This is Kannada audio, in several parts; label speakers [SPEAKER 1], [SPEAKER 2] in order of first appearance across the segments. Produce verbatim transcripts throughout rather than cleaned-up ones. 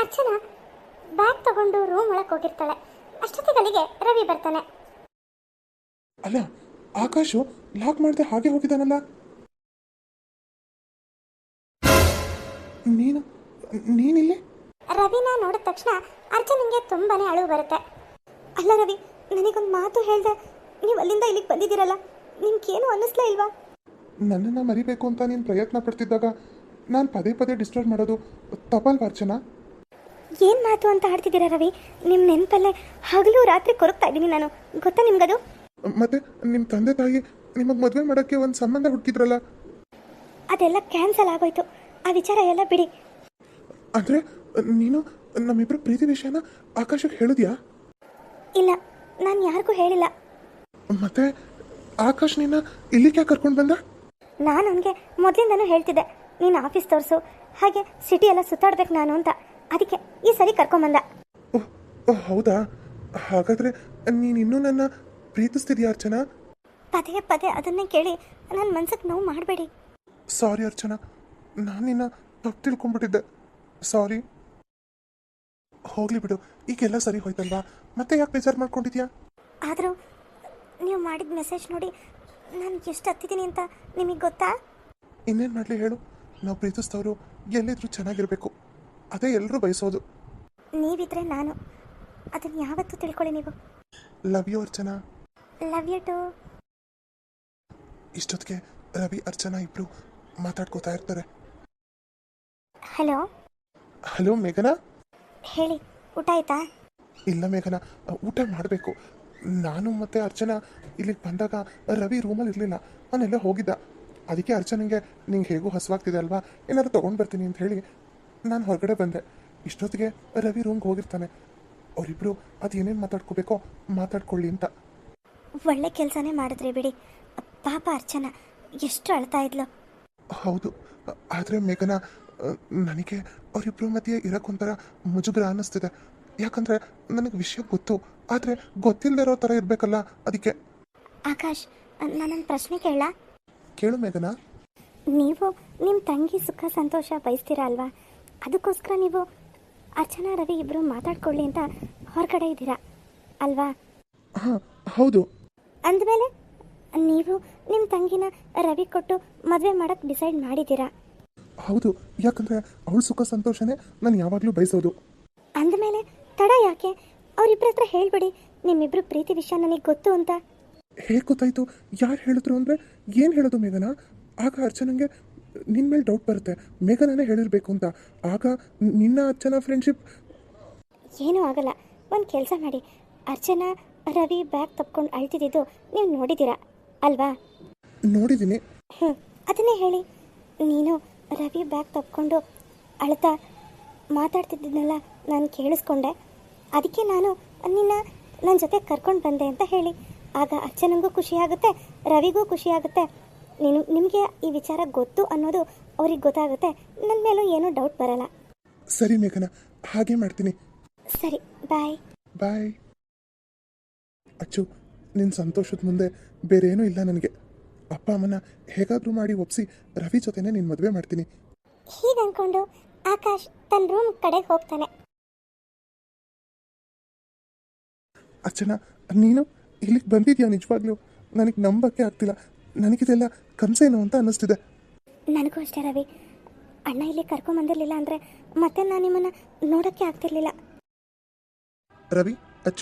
[SPEAKER 1] ಅರ್ಚನಾ ಬ್ಯಾಗ್ ತಗೊಂಡು ರೂಮ್ ಒಳಗೆ ಹೋಗಿರ್ತಾಳೆ. ಅಷ್ಟೊತ್ತಿಗೆ ರವಿ ಬರ್ತಾನೆ.
[SPEAKER 2] ಅಲ್ಲ, ಆಕಾಶು ಲಾಕ್ ಮಾಡದೆ ಹಾಗೆ ಹೋಗಿದ್ದಾನಲ್ಲ. ನೀನು ನೀನಿಲ್ಲಿ?
[SPEAKER 1] ರವಿನ ನೋಡಿದ ತಕ್ಷಣ ಅರ್ಚನಂಗೆ ತುಂಬಾನೇ ಅಳು ಬರುತ್ತೆ. ಅಲ್ಲ ರವಿ, ನನಗೊಂದು ಮಾತು ಹೇಳ್ದೆ, ನೀವು ಅಲ್ಲಿಂದ ಇಲ್ಲಿಗೆ ಬಂದಿದ್ದೀರಲ್ಲ, ನಿಮ್ಗೇನು ಅನ್ನಿಸ್ಲೇ ಇಲ್ವಾ?
[SPEAKER 2] ನನ್ನನ್ನು ಮರಿಬೇಕು ಅಂತ ನೀನು ಪ್ರಯತ್ನ ಪಡ್ತಿದ್ದಾಗ ನಾನು ಪದೇ ಪದೇ ಡಿಸ್ಟರ್ಬ್ ಮಾಡೋದು ತಪ್ಪಲ್ವಾ ಅರ್ಚನಾ?
[SPEAKER 1] ಏನು ಮಾತು ಅಂತ ಆಡ್ತಿದ್ದೀರಾ ರವಿ? ನಿಮ್ಮ ನೆನಪಲ್ಲೇ ಹಗಲು ರಾತ್ರಿ ಕೊರಗ್ತಾ ಇದ್ದೀನಿ ನಾನು, ಗೊತ್ತಾ ನಿಮ್ಗದು?
[SPEAKER 2] ಮತ್ತೆ ನಿಮ್ಮ ತಂದೆ ತಾಯಿ ನಿಮಗೆ ಮದುವೆ ಮಾಡೋಕ್ಕೆ ಒಂದು ಸಂಬಂಧ ಹುಡುಕಿದ್ರಲ್ಲ,
[SPEAKER 1] ಅದೆಲ್ಲ ಕ್ಯಾನ್ಸಲ್ ಆಗೋಯ್ತು. ಆ ವಿಚಾರ ಎಲ್ಲ ಬಿಡಿ.
[SPEAKER 2] ಅಂದರೆ ನೀನು ನಮ್ಮಿಬ್ಬರು ಪ್ರೀತಿ ವಿಷಯನ ಆಕಾಶಕ್ಕೆ ಹೇಳಿದ್ಯಾ?
[SPEAKER 1] ಇಲ್ಲ, ನಾನು ಯಾರಿಗೂ ಹೇಳಿಲ್ಲ.
[SPEAKER 2] ಮತ್ತೆ ಆಕಾಶ್ ನಿನ್ನ ಇಲ್ಲಿಗೆ ಕರ್ಕೊಂಡು ಬಂದ?
[SPEAKER 1] ನಾನು ಅವನಿಗೆ ಮೊದಲಿಂದನೂ ಹೇಳ್ತಿದ್ದೆ, ನೀನು ಆಫೀಸ್ ತೋರಿಸು, ಹಾಗೆ ಸಿಟಿ ಎಲ್ಲ ಸುತ್ತಾಡ್ಬೇಕು ನಾನು ಅಂತ. ಅದಕ್ಕೆ ಈ ಸರಿ ಕರ್ಕೊಂಬಂದ.
[SPEAKER 2] ಓಹ್ ಓಹ್ ಹೌದಾ? ಹಾಗಾದರೆ ನೀನು ಇನ್ನೂ ನನ್ನ ಪ್ರೀತಿಸ್ತಿದ್ಯಾ ಅರ್ಚನಾ?
[SPEAKER 1] ಪದೇ ಪದೇ ಅದನ್ನೇ ಕೇಳಿ ನನ್ನ ಮನ್ಸಿಗೆ ನೋವು ಮಾಡಬೇಡಿ.
[SPEAKER 2] ಸಾರಿ ಅರ್ಚನಾ, ನಾನು ನಿನ್ನ ತಪ್ಪು ತಿಳ್ಕೊಂಡ್ಬಿಟ್ಟಿದ್ದೆ. ಸಾರಿ. ಹೋಗ್ಲಿ ಬಿಡು, ಈಗೆಲ್ಲ ಸರಿ ಹೋಯ್ತಲ್ವಾ? ಮತ್ತೆ ಯಾಕೆ ಬೇಜಾರು ಮಾಡ್ಕೊಂಡಿದ್ಯಾ?
[SPEAKER 1] ಆದರೂ ನೀವು ಮಾಡಿದ ಮೆಸೇಜ್ ನೋಡಿ ನಾನು ಎಷ್ಟು ಹತ್ತಿದ್ದೀನಿ ಅಂತ ನಿಮಗೆ ಗೊತ್ತಾ?
[SPEAKER 2] ಇನ್ನೇನು ಮಾಡಲಿ ಹೇಳು, ನಾವು ಪ್ರೀತಿಸಿದವರು ಎಲ್ಲಿದ್ರೂ ಚೆನ್ನಾಗಿರಬೇಕು, ಅದೇ ಎಲ್ಲರೂ ಬಯಸೋದು.
[SPEAKER 1] ನೀವಿದ್ರೆ ನಾನು, ಅದನ್ನು ಯಾವತ್ತೂ ತಿಳ್ಕೊಳ್ಳಿ ನೀವು.
[SPEAKER 2] Love you Archana.
[SPEAKER 1] Love you too.
[SPEAKER 2] ಇಷ್ಟೊತ್ತಿಗೆ ರವಿ ಅರ್ಚನಾ ಇಬ್ರು ಮಾತಾಡ್ಕೋತಾ ಇರ್ತಾರೆ.
[SPEAKER 1] ಹಲೋ
[SPEAKER 2] ಹಲೋ ಮೇಘನಾ.
[SPEAKER 1] ಹೇಳಿ, ಊಟ ಆಯ್ತಾ?
[SPEAKER 2] ಇಲ್ಲ ಮೇಘನಾ, ಊಟ ಮಾಡಬೇಕು. ನಾನು ಮತ್ತು ಅರ್ಚನಾ ಇಲ್ಲಿಗೆ ಬಂದಾಗ ರವಿ ರೂಮಲ್ಲಿ ಇರಲಿಲ್ಲ, ನಾನೆಲ್ಲ ಹೋಗಿದ್ದ. ಅದಕ್ಕೆ ಅರ್ಚನೆಗೆ ನಿಂಗೆ ಹೇಗೂ ಹಸುವಾಗ್ತಿದೆ ಅಲ್ವಾ, ಏನಾದ್ರು ತೊಗೊಂಡು ಬರ್ತೀನಿ ಅಂತ ಹೇಳಿ ನಾನು ಹೊರಗಡೆ ಬಂದೆ. ಇಷ್ಟೊತ್ತಿಗೆ ರವಿ ರೂಮ್ಗೆ ಹೋಗಿರ್ತಾನೆ. ಅವರಿಬ್ಬರು ಅದು ಏನೇನು ಮಾತಾಡ್ಕೋಬೇಕೋ ಮಾತಾಡ್ಕೊಳ್ಳಿ ಅಂತ.
[SPEAKER 1] ಒಳ್ಳೆ ಕೆಲಸನೇ ಮಾಡಿದ್ರಿ ಬಿಡಿ. ಪಾಪ ಅರ್ಚನಾ ಎಷ್ಟು ಅಳ್ತಾ ಇದ್ಲು.
[SPEAKER 2] ಹೌದು, ಆದರೆ ಮೇಘನಾ, ನನಗೆ ಅವರಿಬ್ಬರ ಮಧ್ಯೆ ಇರೋಕ್ಕೊಂಥರ ಮುಜುಗರ ಅನ್ನಿಸ್ತಿದೆ. ಯಾಕಂದರೆ ನನಗೆ ವಿಷಯ ಗೊತ್ತು, ಆದರೆ ಗೊತ್ತಿಲ್ಲದೆ ಇರೋ ಥರ ಇರಬೇಕಲ್ಲ, ಅದಕ್ಕೆ.
[SPEAKER 1] ಆಕಾಶ್, ನಾನೊಂದು ಪ್ರಶ್ನೆ ಕೇಳ?
[SPEAKER 2] ಕೇಳು ಮೇಘನಾ.
[SPEAKER 1] ನೀವು ನಿಮ್ಮ ತಂಗಿ ಸುಖ ಸಂತೋಷ ಬಯಸ್ತೀರಾ ಅಲ್ವಾ? ಅದಕ್ಕೋಸ್ಕರ ನೀವು ಅರ್ಚನಾ ರವಿ ಇಬ್ಬರು ಮಾತಾಡ್ಕೊಳ್ಳಿ ಅಂತ ಹೊರಗಡೆ ಇದ್ದೀರಾ ಅಲ್ವಾ?
[SPEAKER 2] ಹಾಂ ಹೌದು.
[SPEAKER 1] ಅಂದಮೇಲೆ ನೀವು ನಿಮ್ಮ ತಂಗಿನ ರವಿ ಕೊಟ್ಟು ಮದುವೆ ಮಾಡೋಕ್ಕೆ ಡಿಸೈಡ್ ಮಾಡಿದ್ದೀರಾ?
[SPEAKER 2] ಹೌದು, ಯಾಕಂದರೆ ಅವಳ ಸುಖ ಸಂತೋಷನೇ ನಾನು ಯಾವಾಗಲೂ ಬಯಸೋದು.
[SPEAKER 1] ಅಂದಮೇಲೆ ತಡ ಯಾಕೆ? ಅವರಿಬ್ಬರ ಹತ್ರ ಹೇಳ್ಬಿಡಿ, ನಿಮ್ಮಿಬ್ರು ಪ್ರೀತಿ ವಿಷಯ ನನಗೆ ಗೊತ್ತು ಅಂತ.
[SPEAKER 2] ಹೇಗೆ ಗೊತ್ತಾಯಿತು? ಯಾರು ಹೇಳಿದ್ರು ಅಂದರೆ ಏನು ಹೇಳೋದು ಮೇಘನಾ? ಆಗ ಅರ್ಚನಂಗೆ ನಿನ್ನ ಮೇಲೆ ಡೌಟ್ ಬರುತ್ತೆ, ಮೇಘನಾನೇ ಹೇಳಿರಬೇಕು ಅಂತ. ಆಗ ನಿನ್ನ ಅರ್ಚನಾ ಫ್ರೆಂಡ್ಶಿಪ್
[SPEAKER 1] ಏನೂ ಆಗಲ್ಲ. ಒಂದು ಕೆಲಸ ಮಾಡಿ, ಅರ್ಚನಾ ರವಿ ಬ್ಯಾಗ್ ತಪ್ಕೊಂಡು ಅಳ್ತಿದ್ದು ನೀವು ನೋಡಿದ್ದೀರಾ ಅಲ್ವಾ?
[SPEAKER 2] ನೋಡಿದ್ದೀನಿ.
[SPEAKER 1] ಹ್ಞೂ, ಅದನ್ನೇ ಹೇಳಿ. ನೀನು ರವಿ ಬ್ಯಾಗ್ ತಪ್ಕೊಂಡು ಅಳ್ತಾ ಮಾತಾಡ್ತಿದ್ದನ್ನೆಲ್ಲ ನಾನು ಕೇಳಿಸ್ಕೊಂಡೆ, ಅದಕ್ಕೆ ನಾನು ನಿನ್ನ ನನ್ನ ಜೊತೆ ಕರ್ಕೊಂಡು ಬಂದೆ ಅಂತ ಹೇಳಿ. ಆಗ ಅರ್ಚನಂಗೂ ಖುಷಿಯಾಗುತ್ತೆ, ರವಿಗೂ ಖುಷಿಯಾಗುತ್ತೆ. ನೀನು ನಿಮಗೆ ಈ ವಿಚಾರ ಗೊತ್ತು ಅನ್ನೋದು ಅವ್ರಿಗೆ ಗೊತ್ತಾಗುತ್ತೆ, ನನ್ನ ಮೇಲೂ ಏನೂ ಡೌಟ್ ಬರಲ್ಲ.
[SPEAKER 2] ಸರಿ ಮೇಘನಾ, ಹಾಗೆ ಮಾಡ್ತೀನಿ.
[SPEAKER 1] ಸರಿ, ಬಾಯ್
[SPEAKER 2] ಬಾಯ್. ಅಚ್ಚು, ನಿನ್ನ ಸಂತೋಷದ ಮುಂದೆ ಬೇರೇನೂ ಇಲ್ಲ ನನಗೆ. ಅಪ್ಪ ಅಮ್ಮನ ಹೇಗಾದರೂ ಮಾಡಿ ಒಪ್ಪಿಸಿ ರವಿ ಜೊತೆನೇ ನಿನ್ನ ಮದುವೆ ಮಾಡ್ತೀನಿ.
[SPEAKER 1] ಹೀಗೆ ಅಂದ್ಕೊಂಡು ಆಕಾಶ್ ತನ್ನ ರೂಮ್ ಕಡೆಗೆ ಹೋಗ್ತಾನೆ.
[SPEAKER 2] ಅರ್ಚನಾ, ನೀನು ಇಲ್ಲಿಗೆ ಬಂದಿದ್ಯಾ? ನಿಜವಾಗ್ಲೂ ನನಗೆ ನಂಬಕ್ಕೆ ಆಗ್ತಿಲ್ಲ. ನನಗಿದೆಲ್ಲ ಕನಸೇನೋ ಅಂತ ಅನ್ನಿಸ್ತಿದೆ.
[SPEAKER 1] ನನಗೂ ಅಷ್ಟೇ ರವಿ. ಅಣ್ಣ ಇಲ್ಲಿ ಕರ್ಕೊಂಬಂದಿರಲಿಲ್ಲ ಅಂದರೆ ಮತ್ತೆ ನಾನು ನಿಮ್ಮನ್ನು ನೋಡೋಕ್ಕೆ ಆಗ್ತಿರ್ಲಿಲ್ಲ.
[SPEAKER 2] ರವಿ, ಅಚ್ಚು,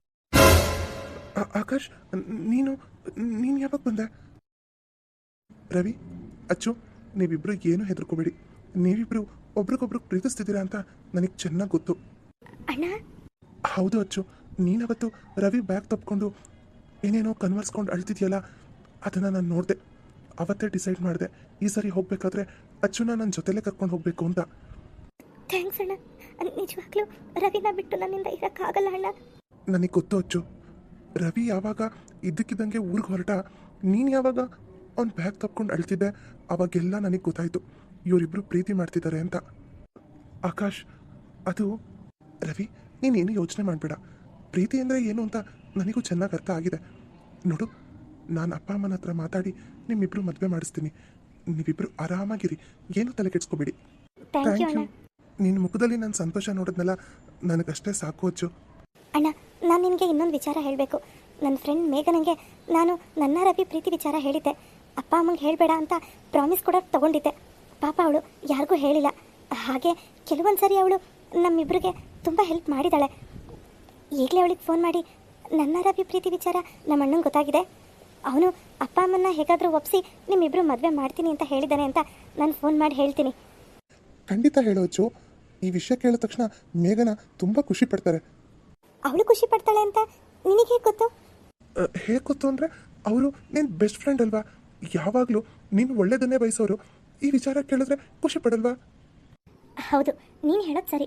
[SPEAKER 2] ಆಕಾಶ್, ನೀನು ನೀನು ಯಾವಾಗ ಬಂದೆ? ರವಿ, ಅಚ್ಚು, ನೀವಿಬ್ಬರು ಏನೂ ಹೆದರ್ಕೋಬೇಡಿ. ನೀವಿಬ್ಬರು ಒಬ್ರಿಗೊಬ್ರು ಪ್ರೀತಿಸ್ತಿದ್ದೀರಾ ಅಂತ ನನಗೆ ಚೆನ್ನಾಗಿ ಗೊತ್ತು.
[SPEAKER 1] ಅಣ್ಣ.
[SPEAKER 2] ಹೌದು ಅಚ್ಚು, ನೀನವತ್ತು ರವಿ ಬ್ಯಾಗ್ ತಪ್ಕೊಂಡು ಏನೇನೋ ಕನ್ವರ್ಸ್ಕೊಂಡು ಅಳ್ತಿದ್ಯಲ್ಲ, ಅದನ್ನು ನಾನು ನೋಡಿದೆ. ಅವತ್ತೇ ಡಿಸೈಡ್ ಮಾಡಿದೆ, ಈ ಸರಿ ಹೋಗಬೇಕಾದ್ರೆ ಅಚ್ಚುನ ನನ್ನ ಜೊತೆಲೇ ಕರ್ಕೊಂಡು ಹೋಗಬೇಕು ಅಂತ.
[SPEAKER 1] ಥ್ಯಾಂಕ್ಸ್ ಅಣ್ಣ. ನಿಜವಾಗ್ಲೂ ರವಿನ ಬಿಟ್ಟು ನನ್ನಿಂದ ಇರೋಕ್ಕಾಗಲ್ಲ ಅಣ್ಣ.
[SPEAKER 2] ನನಗೆ ಗೊತ್ತು ಅಚ್ಚು. ರವಿ ಯಾವಾಗ ಇದ್ದಕ್ಕಿದ್ದಂಗೆ ಊರಿಗೆ ಹೊರಟ, ನೀನು ಯಾವಾಗ ಅವ್ನ ಬ್ಯಾಗ್ ತಪ್ಕೊಂಡು ಅಳ್ತಿದ್ದೆ, ಅವಾಗೆಲ್ಲ ನನಗೆ ಗೊತ್ತಾಯಿತು ಇವರಿಬ್ಬರು ಪ್ರೀತಿ ಮಾಡ್ತಿದ್ದಾರೆ ಅಂತ. ಆಕಾಶ್, ಅದು ರವಿ, ನೀನೇನು ಯೋಚನೆ ಮಾಡಬೇಡ. ಪ್ರೀತಿ ಅಂದರೆ ಏನು ಅಂತ ನನಗೂ ಚೆನ್ನಾಗಿ ಅರ್ಥ ಆಗಿದೆ. ನೋಡು, ನಾನು ಅಪ್ಪ ಅಮ್ಮನ ಹತ್ರ ಮಾತಾಡಿ ನಿಮ್ಮಿಬ್ಬರು ಮದುವೆ ಮಾಡಿಸ್ತೀನಿ. ನೀವಿಬ್ಬರು ಆರಾಮಾಗಿರಿ, ಏನು ತಲೆ ಕೆಡಿಸ್ಕೋಬೇಡಿ.
[SPEAKER 1] ಥ್ಯಾಂಕ್ ಯು ಅಣ್ಣ.
[SPEAKER 2] ನಿನ್ನ ಮುಖದಲ್ಲಿ ನನ್ನ ಸಂತೋಷ ನೋಡಿದ್ನಲ್ಲ, ನನಗಷ್ಟೇ ಸಾಕು ಅಚ್ಚು.
[SPEAKER 1] ಅಣ್ಣ, ನಾನು ನಿನಗೆ ಇನ್ನೊಂದು ವಿಚಾರ ಹೇಳಬೇಕು. ನನ್ನ ಫ್ರೆಂಡ್ ಮೇಘನಂಗೆ ನಾನು ನನ್ನ ರವಿ ಪ್ರೀತಿ ವಿಚಾರ ಹೇಳಿದ್ದೆ. ಅಪ್ಪ ಅಮ್ಮಂಗೆ ಹೇಳಬೇಡ ಅಂತ ಪ್ರಾಮಿಸ್ ಕೂಡ ತೊಗೊಂಡಿದ್ದೆ. ಪಾಪ ಅವಳು ಯಾರಿಗೂ ಹೇಳಿಲ್ಲ. ಹಾಗೆ ಕೆಲವೊಂದು ಸರಿ ಅವಳು ನಮ್ಮಿಬ್ಬರಿಗೆ ತುಂಬ ಹೆಲ್ಪ್ ಮಾಡಿದ್ದಾಳೆ. ಈಗಲೇ ಅವಳಿಗೆ ಫೋನ್ ಮಾಡಿ ನನ್ನ ರವಿ ಪ್ರೀತಿ ವಿಚಾರ ನಮ್ಮ ಅಣ್ಣಂಗೆ ಗೊತ್ತಾಗಿದೆ. ಅವನು ಅಪ್ಪ ಅಮ್ಮನ್ನ ಹೇಗಾದರೂ ಒಪ್ಪಿಸಿ ನಿಮ್ಮಿಬ್ಬರು ಮದುವೆ ಮಾಡ್ತೀನಿ ಅಂತ ಹೇಳಿದ್ದಾನೆ ಅಂತ ನಾನು ಫೋನ್ ಮಾಡಿ ಹೇಳ್ತೀನಿ.
[SPEAKER 2] ಖಂಡಿತ ಹೇಳು ಅಚ್ಚು. ಈ ವಿಷಯ ಕೇಳಿದ ತಕ್ಷಣ ಮೇಘನ ತುಂಬ ಖುಷಿ ಪಡ್ತಾರೆ.
[SPEAKER 1] ಅವಳು ಖುಷಿ ಪಡ್ತಾಳೆ ಅಂತ ನಿನಗೆ ಹೇಗೆ ಗೊತ್ತು?
[SPEAKER 2] ಹೇಗೆ ಗೊತ್ತು ಅಂದರೆ, ಅವರು ನಿನ್ನ ಬೆಸ್ಟ್ ಫ್ರೆಂಡ್ ಅಲ್ವಾ, ಯಾವಾಗಲೂ ನೀನು ಒಳ್ಳೇದನ್ನೇ ಬಯಸೋರು. ಈ ವಿಚಾರ ಕೇಳಿದ್ರೆ ಖುಷಿ ಪಡಲ್ವಾ?
[SPEAKER 1] ಹೌದು, ನೀನು ಹೇಳೋದು ಸರಿ.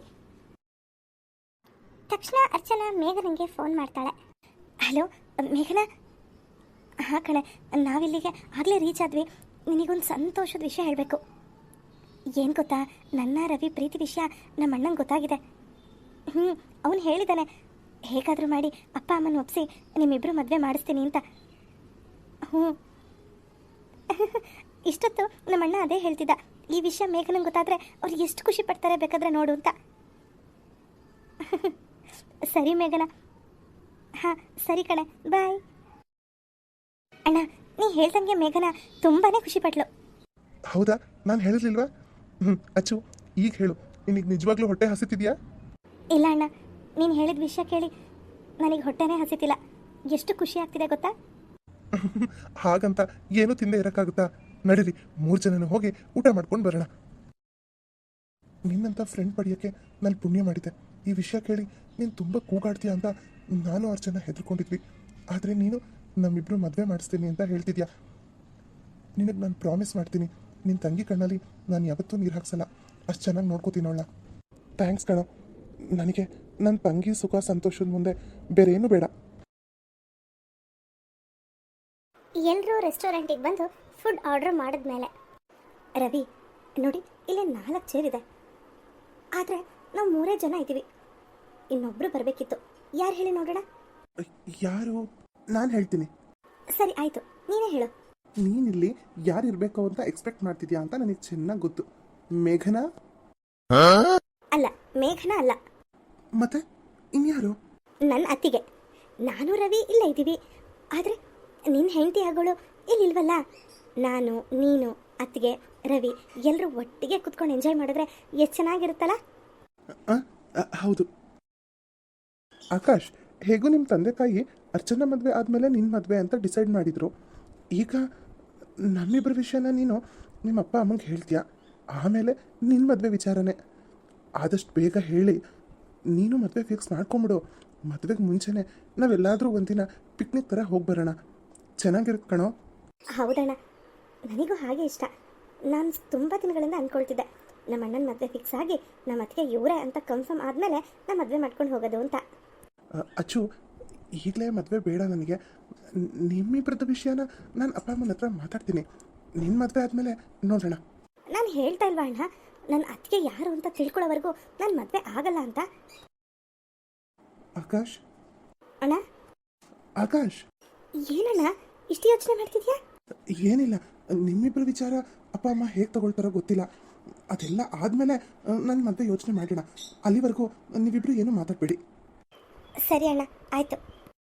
[SPEAKER 1] ತಕ್ಷಣ ಅರ್ಚನಾ ಮೇಘನಿಗೆ ಫೋನ್ ಮಾಡ್ತಾಳೆ. ಹಲೋ ಮೇಘನಾ. ಹಾಂ ಕಣೆ, ನಾವಿಲ್ಲಿಗೆ ಆಗಲೇ ರೀಚ್ ಆದ್ವಿ. ನಿನಗೊಂದು ಸಂತೋಷದ ವಿಷಯ ಹೇಳಬೇಕು. ಏನು ಗೊತ್ತಾ, ನನ್ನ ರವಿ ಪ್ರೀತಿ ವಿಷಯ ನಮ್ಮ ಅಣ್ಣಂಗೆ ಗೊತ್ತಾಗಿದೆ. ಹ್ಞೂ, ಅವನು ಹೇಳಿದ್ದಾನೆ ಹೇಗಾದರೂ ಮಾಡಿ ಅಪ್ಪ ಅಮ್ಮನ ಒಪ್ಪಿಸಿ ನಿಮ್ಮಿಬ್ಬರು ಮದುವೆ ಮಾಡಿಸ್ತೀನಿ ಅಂತ. ಹ್ಞೂ ಇಷ್ಟೊತ್ತು ನಮ್ಮಣ್ಣ ಅದೇ ಹೇಳ್ತಿದ್ದ, ಈ ವಿಷಯ ಮೇಘನಂಗೆ ಗೊತ್ತಾದರೆ ಅವ್ರು ಎಷ್ಟು ಖುಷಿ ಪಡ್ತಾರೆ ಬೇಕಾದರೆ ನೋಡು ಅಂತ. ಸರಿ ಮೇಘನ. ಹಾಂ ಸರಿ ಕಣೆ, ಬಾಯ್. ಅಣ್ಣ, ನೀ ಹೇಳ್ದಂಗೆ ಮೇಘನ ತುಂಬಾ ಖುಷಿ ಪಟ್ಲು.
[SPEAKER 2] ಹೌದಾ? ನಾನು ಹೇಳಿರ್ಲಿಲ್ವಾ? ಹ್ಞೂ ಅಚ್ಚು, ಈಗ ಹೇಳು, ನಿನಗೆ ನಿಜವಾಗ್ಲೂ ಹೊಟ್ಟೆ ಹಸಿತಿದ್ಯಾ?
[SPEAKER 1] ಇಲ್ಲ ಅಣ್ಣ, ನೀನು ಹೇಳಿದ ವಿಷಯ ಕೇಳಿ ನನಗೆ ಹೊಟ್ಟೆನೇ ಹಸಿತಿಲ್ಲ. ಎಷ್ಟು ಖುಷಿ ಆಗ್ತಿದೆ ಗೊತ್ತಾ?
[SPEAKER 2] ಹಾಗಂತ ಏನೂ ತಿಂದೇ ಇರೋಕ್ಕಾಗುತ್ತಾ? ನಡೀರಿ, ಮೂರು ಜನನು ಹೋಗಿ ಊಟ ಮಾಡ್ಕೊಂಡು ಬರೋಣ. ನಿನ್ನಂಥ ಫ್ರೆಂಡ್ ಪಡೆಯೋಕ್ಕೆ ನಾನು ಪುಣ್ಯ ಮಾಡಿದ್ದೆ. ಈ ವಿಷಯ ಕೇಳಿ ನೀನು ತುಂಬ ಕೂಗಾಡ್ತೀಯ ಅಂತ ನಾನು ಅರ್ಚನ ಹೆದರ್ಕೊಂಡಿದ್ವಿ. ಆದರೆ ನೀನು ನಮ್ಮಿಬ್ಬರು ಮದುವೆ ಮಾಡಿಸ್ತೀನಿ ಅಂತ ಹೇಳ್ತಿದ್ಯಾ. ನಿನಗೆ ನಾನು ಪ್ರಾಮಿಸ್ ಮಾಡ್ತೀನಿ, ನಿನ್ನ ತಂಗಿ ಕಣ್ಣಲ್ಲಿ ನಾನು ಯಾವತ್ತೂ ನೀರು ಹಾಕ್ಸಲ್ಲ. ಅಷ್ಟು ಚೆನ್ನಾಗಿ ನೋಡ್ಕೋತೀನವಳ. ಥ್ಯಾಂಕ್ಸ್ ಕಣೋ. ನನಗೆ ನನ್ನ ತಂಗಿ ಸುಖ ಸಂತೋಷದ ಮುಂದೆ ಬೇರೆ ಏನೂ ಬೇಡ.
[SPEAKER 1] ಎಲ್ಲರೂ ರೆಸ್ಟೋರೆಂಟಿಗೆ ಬಂದು ಫುಡ್ ಆರ್ಡರ್ ಮಾಡಿದ್ಮೇಲೆ, ರವಿ ನೋಡಿ, ಇಲ್ಲಿ ನಾಲ್ಕು ಚೇರ್ ಇದೆ. ಆದರೆ ನಾವು ಮೂರೇ ಜನ ಇದ್ದೀವಿ. ಇನ್ನೊಬ್ಬರು ಬರಬೇಕಿತ್ತು. ಯಾರು ಹೇಳಿ ನೋಡೋಣ?
[SPEAKER 2] ಯಾರು? ನಾನು ಹೇಳ್ತೀನಿ.
[SPEAKER 1] ಸರಿ ಆಯಿತು, ನೀನೇ ಹೇಳು.
[SPEAKER 2] ನೀನಿಲ್ಲಿ ಯಾರು ಇರಬೇಕು ಅಂತ ಎಕ್ಸ್ಪೆಕ್ಟ್ ಮಾಡ್ತಿದ್ಯಾ ಅಂತ ನನಗೆ ಚೆನ್ನಾಗಿ ಗೊತ್ತು. ಮೇಘನಾ?
[SPEAKER 1] ಅಲ್ಲ, ಮೇಘನ ಅಲ್ಲ.
[SPEAKER 2] ಮತ್ತೆ ಇನ್ಯಾರು?
[SPEAKER 1] ನನ್ನ ಅತ್ತಿಗೆ. ನಾನು ರವಿ ಇಲ್ಲ ಇದ್ದೀವಿ. ಆದರೆ ನಿನ್ನ ಹೆಂಡತಿ ಆಗೋಳು ಇಲ್ಲಿಲ್ವಲ್ಲ. ನಾನು, ನೀನು, ಅತ್ತಿಗೆ, ರವಿ ಎಲ್ಲರೂ ಒಟ್ಟಿಗೆ ಕುತ್ಕೊಂಡು ಎಂಜಾಯ್ ಮಾಡಿದ್ರೆ ಎಷ್ಟು ಚೆನ್ನಾಗಿರುತ್ತಲ್ಲ.
[SPEAKER 2] ಹೌದು ಆಕಾಶ್, ಹೇಗೂ ನಿಮ್ಮ ತಂದೆ ತಾಯಿ ಅರ್ಚನಾ ಮದುವೆ ಆದಮೇಲೆ ನಿನ್ನ ಮದುವೆ ಅಂತ ಡಿಸೈಡ್ ಮಾಡಿದರು. ಈಗ ನಮ್ಮಿಬ್ಬರ ವಿಷಯನ ನೀನು ನಿಮ್ಮ ಅಪ್ಪ ಅಮ್ಮಂಗೆ ಹೇಳ್ತೀಯ. ಆಮೇಲೆ ನಿನ್ನ ಮದುವೆ ವಿಚಾರನೇ. ಆದಷ್ಟು ಬೇಗ ಹೇಳಿ ನೀನು ಮದುವೆ ಫಿಕ್ಸ್ ಮಾಡ್ಕೊಂಬಿಡು. ಮದುವೆಗೆ ಮುಂಚೆನೇ ನಾವೆಲ್ಲಾದರೂ ಒಂದಿನ ಪಿಕ್ನಿಕ್ ಥರ ಹೋಗಿ ಬರೋಣ. ಚೆನ್ನಾಗಿರುತ್ತೆ ಕಣೋ.
[SPEAKER 1] ಹೌದಣ್ಣ, ನನಗೂ ಹಾಗೆ ಇಷ್ಟ. ನಾನು ತುಂಬ ದಿನಗಳಿಂದ ಅಂದ್ಕೊಳ್ತಿದ್ದೆ, ನಮ್ಮ ಅಣ್ಣನ ಮದುವೆ ಫಿಕ್ಸ್ ಆಗಿ ನಮ್ಮ ಅತ್ತಿಗೆ ಇವರೇ ಅಂತ ಕನ್ಫರ್ಮ್ ಆದಮೇಲೆ ನಾನು ಮದುವೆ ಮಾಡ್ಕೊಂಡು ಹೋಗೋದು ಅಂತ.
[SPEAKER 2] ಅಚ್ಚು, ಈಗಲೇ ಮದುವೆ ಬೇಡ ನನಗೆ. ನಿಮ್ಮಿಬ್ಬರದ ವಿಷಯನ ನಾನು ಅಪ್ಪ ಅಮ್ಮನ ಹತ್ರ ಮಾತಾಡ್ತೀನಿ. ನಿನ್ನ ಮದುವೆ ಆದಮೇಲೆ ನೋಡೋಣ.
[SPEAKER 1] ನಾನು ಹೇಳ್ತಾ ಇಲ್ವಾ ಅಣ್ಣ, ನನ್ನ ಅತ್ತಿಗೆ ಯಾರು ಅಂತ ತಿಳ್ಕೊಳ್ಳೋವರೆಗೂ ನಾನು ಮದುವೆ ಆಗಲ್ಲ ಅಂತ.
[SPEAKER 2] ಆಕಾಶ್.
[SPEAKER 1] ಅಣ್ಣ.
[SPEAKER 2] ಆಕಾಶ್.
[SPEAKER 1] ಏನಣ್ಣ ಇಷ್ಟು ಯೋಚನೆ ಮಾಡ್ತಿದ್ಯಾ?
[SPEAKER 2] ಏನಿಲ್ಲ, ನಿಮ್ಮಿಬ್ಬರ ವಿಚಾರ ಅಪ್ಪ ಅಮ್ಮ ಹೇಗೆ ತಗೊಳ್ತಾರೋ ಗೊತ್ತಿಲ್ಲ. ಅದೆಲ್ಲ ಆದಮೇಲೆ ನನ್ನ ಮದುವೆ ಯೋಚನೆ ಮಾಡೋಣ. ಅಲ್ಲಿವರೆಗೂ ನೀವಿಬ್ಬರು ಏನೂ ಮಾತಾಡಬೇಡಿ.
[SPEAKER 1] ಸರಿ ಅಣ್ಣ, ಆಯಿತು.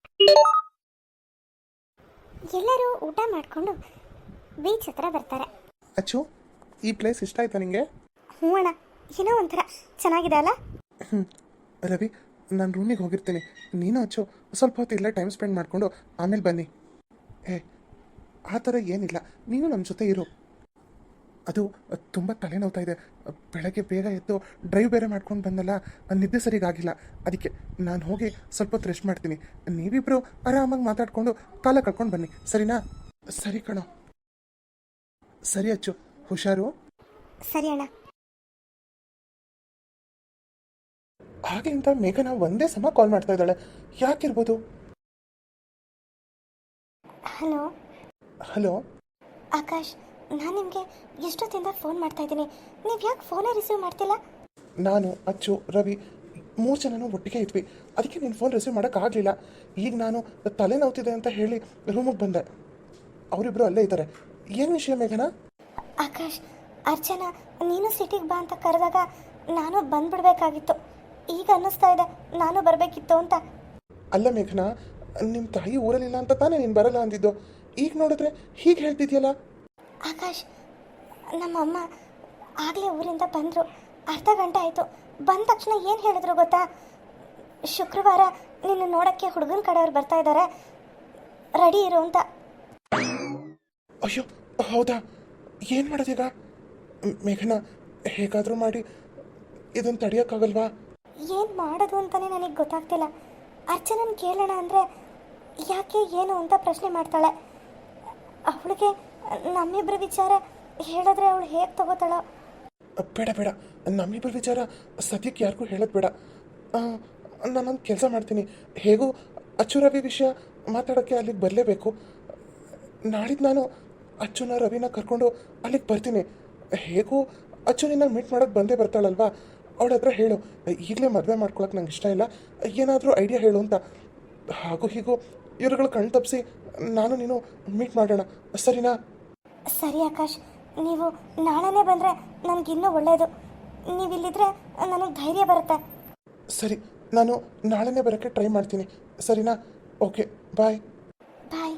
[SPEAKER 1] ಎಲ್ಲರೂ ಊಟ ಮಾಡಿಕೊಂಡು ಬೀಚ್ ಹತ್ರ ಬರ್ತಾರೆ.
[SPEAKER 2] ಅಚ್ಚು, ಈ ಪ್ಲೇಸ್ ಇಷ್ಟ ಆಯ್ತಾ ನಿಮಗೆ?
[SPEAKER 1] ಹ್ಞೂ ಅಣ್ಣ, ಏನೋ ಒಂಥರ ಚೆನ್ನಾಗಿದೆ ಅಲ್ಲ.
[SPEAKER 2] ಹ್ಞೂ ರವಿ, ನಾನು ರೂಮಿಗೆ ಹೋಗಿರ್ತೀನಿ. ನೀನು ಅಚ್ಚು ಸ್ವಲ್ಪ ಹೊತ್ತು ಇಲ್ಲೇ ಟೈಮ್ ಸ್ಪೆಂಡ್ ಮಾಡಿಕೊಂಡು ಆಮೇಲೆ ಬನ್ನಿ. ಏ, ಆ ಥರ ಏನಿಲ್ಲ, ನೀನು ನಮ್ಮ ಜೊತೆ ಇರು. ಅದು ತುಂಬ ತಲೆನೋವ್ತಾ ಇದೆ. ಬೆಳಗ್ಗೆ ಬೇಗ ಎದ್ದು ಡ್ರೈವ್ ಬೇರೆ ಮಾಡ್ಕೊಂಡು ಬಂದಲ್ಲ, ನಿದ್ದೆ ಸರಿಗಾಗಿಲ್ಲ. ಅದಕ್ಕೆ ನಾನು ಹೋಗಿ ಸ್ವಲ್ಪ ಹೊತ್ತು ರೆಸ್ಟ್ ಮಾಡ್ತೀನಿ. ನೀವಿಬ್ಬರು ಆರಾಮಾಗಿ ಮಾತಾಡಿಕೊಂಡು ಕಾಲ ಕಳ್ಕೊಂಡು ಬನ್ನಿ, ಸರಿನಾ? ಸರಿ ಕಣೋ. ಸರಿ ಅಚ್ಚು, ಹುಷಾರು.
[SPEAKER 1] ಸರಿ ಅಣ್ಣ.
[SPEAKER 2] ಹಾಗೆ ಅಂತ ಮೇಘನ ಒಂದೇ ಸಮ ಕಾಲ್ ಮಾಡ್ತಾ ಇದ್ದಾಳೆ. ಯಾಕಿರ್ಬೋದು?
[SPEAKER 1] ಹಲೋ.
[SPEAKER 2] ಹಲೋ
[SPEAKER 1] ಆಕಾಶ್, ನಾನು ನಿಮಗೆ ಎಷ್ಟೊತ್ತಿಂದ ಫೋನ್ ಮಾಡ್ತಾ ಇದ್ದೀನಿ, ನೀವು ಯಾಕೆ ಫೋನೇ ರಿಸೀವ್ ಮಾಡ್ತಿಲ್ಲ?
[SPEAKER 2] ನಾನು, ಅಚ್ಚು, ರವಿ ಮೂರು ಜನನೂ ಒಟ್ಟಿಗೆ ಇದ್ವಿ. ಅದಕ್ಕೆ ನೀನು ಫೋನ್ ರಿಸೀವ್ ಮಾಡೋಕ್ಕಾಗಲಿಲ್ಲ. ಈಗ ನಾನು ತಲೆನೋವ್ತಿದೆ ಅಂತ ಹೇಳಿ ರೂಮಿಗೆ ಬಂದೆ. ಅವರಿಬ್ಬರು ಅಲ್ಲೇ ಇದ್ದಾರೆ. ಏನು ವಿಷಯ ಮೇಘನಾ?
[SPEAKER 1] ಆಕಾಶ್, ಅರ್ಚನಾ ನೀನು ಸಿಟಿಗೆ ಬಾ ಅಂತ ಕರೆದಾಗ ನಾನು ಬಂದ್ಬಿಡ್ಬೇಕಾಗಿತ್ತು. ಈಗ ಅನ್ನಿಸ್ತಾ ಇದೆ ನಾನು ಬರಬೇಕಿತ್ತು ಅಂತ.
[SPEAKER 2] ಅಲ್ಲ ಮೇಘನಾ, ನಿಮ್ಮ ತಾಯಿ ಊರಲ್ಲಿಲ್ಲ ಅಂತ ತಾನೇ ನೀನು ಬರಲ್ಲ ಅಂದಿದ್ದು. ಈಗ ನೋಡಿದ್ರೆ ಹೀಗೆ ಹೇಳ್ತಿದ್ಯಲ್ಲ.
[SPEAKER 1] ಆಕಾಶ್, ನಮ್ಮಮ್ಮ ಆಗಲೇ ಊರಿಂದ ಬಂದರು. ಅರ್ಧ ಗಂಟೆ ಆಯಿತು. ಬಂದ ತಕ್ಷಣ ಏನು ಹೇಳಿದ್ರು ಗೊತ್ತಾ? ಶುಕ್ರವಾರ ನಿನ್ನ ನೋಡೋಕ್ಕೆ ಹುಡುಗನ ಕಡೆಯವ್ರು ಬರ್ತಾ ಇದ್ದಾರೆ, ರೆಡಿ ಇರು ಅಂತ.
[SPEAKER 2] ಅಯ್ಯೋ ಹೌದಾ? ಏನು ಮಾಡೋದೀಗ? ಮ್- ಮೇಘನಾ, ಹೇಗಾದರೂ ಮಾಡಿ ಇದನ್ನು ತಡೆಯೋಕ್ಕಾಗಲ್ವಾ?
[SPEAKER 1] ಏನು ಮಾಡೋದು ಅಂತಲೇ ನನಗೆ ಗೊತ್ತಾಗ್ತಿಲ್ಲ. ಅರ್ಚನನ್ ಕೇಳೋಣ ಅಂದರೆ ಯಾಕೆ ಏನು ಅಂತ ಪ್ರಶ್ನೆ ಮಾಡ್ತಾಳೆ. ಅವಳಿಗೆ ನಮ್ಮಿಬ್ಬರ ವಿಚಾರ ಹೇಳಿದ್ರೆ ಅವಳು ಹೇಗೆ ತಗೋತಾಳೋ.
[SPEAKER 2] ಬೇಡ ಬೇಡ, ನಮ್ಮಿಬ್ಬರ ವಿಚಾರ ಸದ್ಯಕ್ಕೆ ಯಾರಿಗೂ ಹೇಳೋದು ಬೇಡ. ನಾನೊಂದು ಕೆಲಸ ಮಾಡ್ತೀನಿ. ಹೇಗೂ ಅಚ್ಚು ರವಿ ವಿಷಯ ಮಾತಾಡೋಕ್ಕೆ ಅಲ್ಲಿಗೆ ಬರಲೇಬೇಕು. ನಾಳಿದ್ದು ನಾನು ಅಚ್ಚುನ ರವಿನ ಕರ್ಕೊಂಡು ಅಲ್ಲಿಗೆ ಬರ್ತೀನಿ. ಹೇಗೂ ಅಚ್ಚು ನಿನ್ನ ಮೀಟ್ ಮಾಡೋಕ್ಕೆ ಬಂದೇ ಬರ್ತಾಳಲ್ವಾ, ಅವಳ ಹತ್ರ ಹೇಳು, ಈಗಲೇ ಮದುವೆ ಮಾಡ್ಕೊಳಕ್ಕೆ ನಂಗೆ ಇಷ್ಟ ಇಲ್ಲ, ಏನಾದರೂ ಐಡಿಯಾ ಹೇಳು ಅಂತ. ಹಾಗೂ ಹೀಗೂ ಇವ್ರುಗಳು ಕಣ್ ತಪ್ಪಿಸಿ ನಾನು ನೀನು ಮೀಟ್ ಮಾಡೋಣ, ಸರಿನಾ?
[SPEAKER 1] ಸರಿ ಆಕಾಶ್, ನೀವು ನಾಳೆನೇ ಬಂದರೆ ನನಗಿನ್ನೂ ಒಳ್ಳೆಯದು. ನೀವಿಲ್ಲಿದ್ರೆ ನನಗೆ ಧೈರ್ಯ ಬರುತ್ತೆ.
[SPEAKER 2] ಸರಿ, ನಾನು ನಾಳೆನೇ ಬರೋಕ್ಕೆ ಟ್ರೈ ಮಾಡ್ತೀನಿ, ಸರಿನಾ? Okay, bye.
[SPEAKER 1] Bye.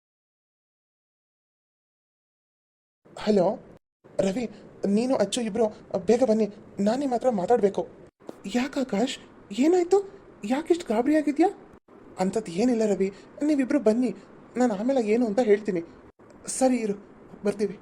[SPEAKER 2] Hello Ravi, ನೀನು ಅಚ್ಚು ಇಬ್ಬರು ಬೇಗ ಬನ್ನಿ, ನಾನು ನಿಮ್ಮ ಹತ್ರ ಮಾತಾಡಬೇಕು. ಯಾಕೆ ಆಕಾಶ್, ಏನಾಯಿತು? ಯಾಕಿಷ್ಟು ಗಾಬರಿಯಾಗಿದೆಯಾ? ಅಂಥದ್ದು ಏನಿಲ್ಲ ರವಿ, ನೀವಿಬ್ಬರು ಬನ್ನಿ, ನಾನು ಆಮೇಲೆ ಏನು ಅಂತ ಹೇಳ್ತೀನಿ. ಸರಿ ಇರು, ಬರ್ತೀವಿ.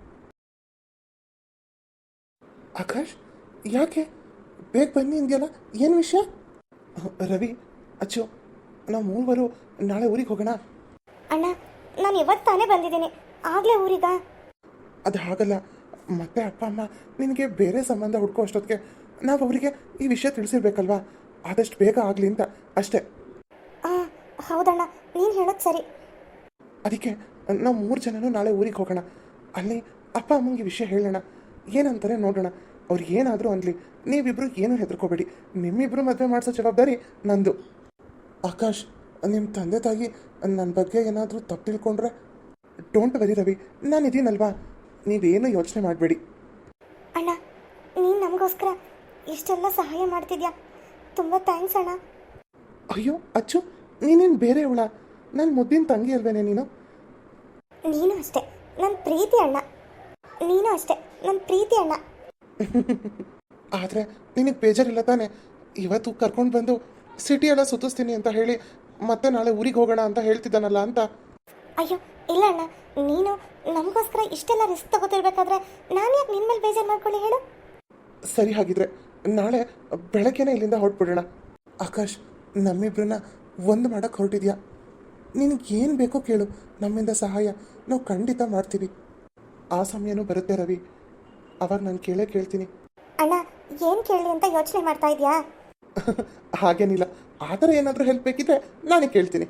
[SPEAKER 2] ಆಕಾಶ್, ಯಾಕೆ ಬೇಗ ಬನ್ನಿ ಅಂದ್ಯಲ್ಲ, ಏನು ವಿಷಯ? ರವಿ, ಅಚ್ಚು, ನಾವು ಮೂವರು ನಾಳೆ ಊರಿಗೆ ಹೋಗೋಣ.
[SPEAKER 1] ಅಣ್ಣ, ನಾನು ಇವತ್ತು ತಾನೇ ಬಂದಿದ್ದೀನಿ, ಆಗಲೇ ಊರಿಗ?
[SPEAKER 2] ಅದು ಹಾಗಲ್ಲ, ಮತ್ತೆ ಅಪ್ಪ ಅಮ್ಮ ನಿನಗೆ ಬೇರೆ ಸಂಬಂಧ ಹುಡ್ಕೋ ಅಷ್ಟೊತ್ತಿಗೆ ನಾವು ಅವರಿಗೆ ಈ ವಿಷಯ ತಿಳಿಸಿರ್ಬೇಕಲ್ವಾ, ಆದಷ್ಟು ಬೇಗ ಆಗಲಿ ಅಂತ ಅಷ್ಟೇ.
[SPEAKER 1] ಹಾಂ ಹೌದಣ್ಣ, ನೀನು ಹೇಳೋದು ಸರಿ.
[SPEAKER 2] ಅದಕ್ಕೆ ನಾವು ಮೂರು ಜನನೂ ನಾಳೆ ಊರಿಗೆ ಹೋಗೋಣ. ಅಲ್ಲಿ ಅಪ್ಪ ಅಮ್ಮಂಗೆ ವಿಷಯ ಹೇಳೋಣ, ಏನಂತಾರೆ ನೋಡೋಣ. ಅವ್ರು ಏನಾದರೂ ಅನ್ಲಿ, ನೀವಿಬ್ಬರು ಏನೂ ಹೆದರ್ಕೋಬೇಡಿ. ನಿಮ್ಮಿಬ್ಬರು ಮದುವೆ ಮಾಡಿಸೋ ಜವಾಬ್ದಾರಿ ನಂದು. ಆಕಾಶ್, ನಿಮ್ಮ ತಂದೆ ತಾಯಿ ನನ್ನ ಬಗ್ಗೆ ಏನಾದರೂ ತಪ್ಪು ತಿಳ್ಕೊಂಡ್ರೆ? ಡೋಂಟ್ ವರಿ ರವಿ, ನಾನು ಇದೀನಲ್ವಾ, ನೀವೇನು ಯೋಚನೆ ಮಾಡಬೇಡಿ.
[SPEAKER 1] ಅಣ್ಣ, ನೀನು ನಮಗೋಸ್ಕರ ಇಷ್ಟೆಲ್ಲ ಸಹಾಯ ಮಾಡ್ತಿದ್ಯಾ, ತುಂಬ ಥ್ಯಾಂಕ್ಸ್ ಅಣ್ಣ.
[SPEAKER 2] ಅಯ್ಯೋ ಅಚ್ಚು, ನೀನೇನು ಬೇರೆ ಅವಳ? ನನ್ನ ಮುದ್ದಿನ ತಂಗಿ ಅಲ್ವೇನೆ ನೀನು?
[SPEAKER 1] ನೀನು ಅಷ್ಟೇ ನನ್ನ ಪ್ರೀತಿ ಅಣ್ಣ, ನೀನು ಅಷ್ಟೇ ನನ್ನ ಪ್ರೀತಿ ಅಣ್ಣ.
[SPEAKER 2] ಆದರೆ ನಿನಗೆ ಬೇಜಾರಿಲ್ಲ ತಾನೆ? ಇವತ್ತು ಕರ್ಕೊಂಡು ಬಂದು ಸಿಟಿ ಎಲ್ಲ ಸುತ್ತಿಸ್ತೀನಿ ಅಂತ ಹೇಳಿ ಮತ್ತೆ ನಾಳೆ ಊರಿಗೆ ಹೋಗೋಣ ಅಂತ ಹೇಳ್ತಿದ್ದಾನಲ್ಲ ಅಂತ.
[SPEAKER 1] ಅಯ್ಯೋ ಇಲ್ಲ ಅಣ್ಣ, ನೀನು ನಮಗೋಸ್ಕರ ಇಷ್ಟೆಲ್ಲ ರಿಸ್ಕ್ ತಗೋತಿರ್ಬೇಕಾದ್ರೆ ನಾನು ಯಾಕೆ ನಿನ್ನ ಮೇಲೆ ಬೇಜಾರು ಮಾಡ್ಕೊಳ್ಳಿ ಹೇಳು?
[SPEAKER 2] ಸರಿ, ಹಾಗಿದ್ರೆ ನಾಳೆ ಬೆಳಗ್ಗೆನೇ ಇಲ್ಲಿಂದ ಹೊರಟ್ಬಿಡೋಣ. ಆಕಾಶ್, ನಮ್ಮಿಬ್ರನ್ನ ಒಂದು ಮಾಡೋಕ್ಕೆ ಹೊರಟಿದ್ಯಾ? ನಿನಗೆ ಏನು ಬೇಕೋ ಕೇಳು, ನಮ್ಮಿಂದ ಸಹಾಯ ನಾವು ಖಂಡಿತ ಮಾಡ್ತೀವಿ. ಆ ಸಮಯನೂ ಬರುತ್ತೆ ರವಿ, ಅವಾಗ ನಾನು ಕೇಳೇ ಕೇಳ್ತೀನಿ.
[SPEAKER 1] ಅಣ್ಣ, ಏನು ಕೇಳಿ ಅಂತ ಯೋಚನೆ ಮಾಡ್ತಾ ಇದೆಯಾ?
[SPEAKER 2] ಹಾಗೇನಿಲ್ಲ, ಆ ಥರ ಏನಾದರೂ ಹೆಲ್ಪ್ ಬೇಕಿದ್ರೆ ನಾನೇ ಕೇಳ್ತೀನಿ.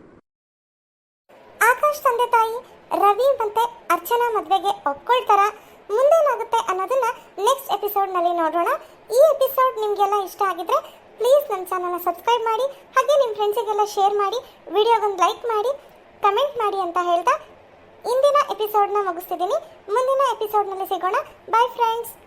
[SPEAKER 1] ಆಕಾಶ್ ತಂದೆ ತಾಯಿ ರವಿ ಮತ್ತೆ ಅರ್ಚನಾ ಮದುವೆಗೆ ಒಪ್ಕೊಳ್ತಾರ? ಮುಂದೇನಾಗುತ್ತೆ ಅನ್ನೋದನ್ನ ನೆಕ್ಸ್ಟ್ ಎಪಿಸೋಡ್ನಲ್ಲಿ ನೋಡೋಣ. ಈ ಎಪಿಸೋಡ್ ನಿಮಗೆಲ್ಲ ಇಷ್ಟ ಆಗಿದ್ರೆ ಪ್ಲೀಸ್ ನನ್ನ ಚಾನಲ್ನ ಸಬ್ಸ್ಕ್ರೈಬ್ ಮಾಡಿ, ಹಾಗೆ ನಿಮ್ಮ ಫ್ರೆಂಡ್ಸಿಗೆಲ್ಲ ಶೇರ್ ಮಾಡಿ, ವಿಡಿಯೋಗೊಂದು ಲೈಕ್ ಮಾಡಿ, ಕಮೆಂಟ್ ಮಾಡಿ ಅಂತ ಹೇಳ್ತಾ ಇಂದಿನ ಎಪಿಸೋಡ್ನ ಮುಗಿಸ್ತಿದ್ದೀನಿ. ಮುಂದಿನ ಎಪಿಸೋಡ್ನಲ್ಲಿ ಸಿಗೋಣ. Bye friends.